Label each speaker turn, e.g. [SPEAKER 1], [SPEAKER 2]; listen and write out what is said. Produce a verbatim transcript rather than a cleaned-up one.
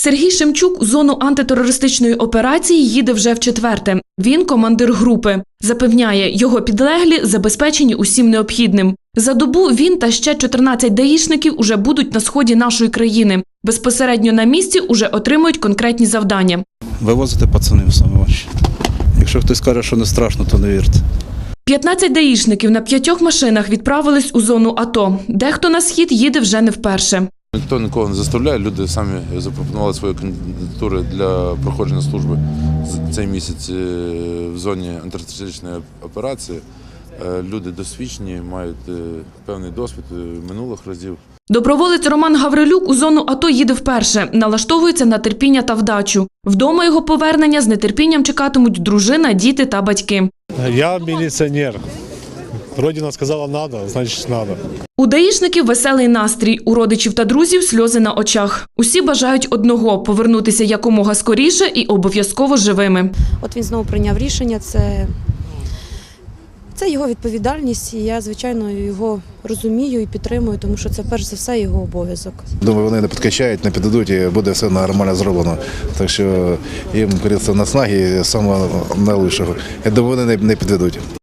[SPEAKER 1] Сергій Шемчук у зону антитерористичної операції їде вже вчетверте. Він командир групи. Запевняє, його підлеглі забезпечені усім необхідним. За добу він та ще чотирнадцять даїшників уже будуть на сході нашої країни. Безпосередньо на місці уже отримують конкретні завдання.
[SPEAKER 2] Вивозити пацанів саме важче. Якщо хтось каже, що не страшно, то не вірте.
[SPEAKER 1] п'ятнадцять даїшників на п'ятьох машинах відправились у зону АТО. Дехто на схід їде вже не вперше.
[SPEAKER 3] Ніхто нікого не заставляє, люди самі запропонували свої кандидатури для проходження служби цей місяць в зоні антитерористичної операції. Люди досвідчені, мають певний досвід минулих разів.
[SPEAKER 1] Доброволець Роман Гаврилюк у зону АТО їде вперше, налаштовується на терпіння та вдачу. Вдома його повернення з нетерпінням чекатимуть дружина, діти та батьки.
[SPEAKER 4] Я міліціонер. Родина сказала «надо», значить «надо».
[SPEAKER 1] У даїшників веселий настрій, у родичів та друзів сльози на очах. Усі бажають одного – повернутися якомога скоріше і обов'язково живими.
[SPEAKER 5] От він знову прийняв рішення, це, це його відповідальність, і я, звичайно, його розумію і підтримую, тому що це перш за все його обов'язок.
[SPEAKER 6] Думаю, вони не підкачають, не піддадуть і буде все нормально зроблено. Так що їм, говориться, наснаги самого найлучшого. Я думаю, вони не підведуть.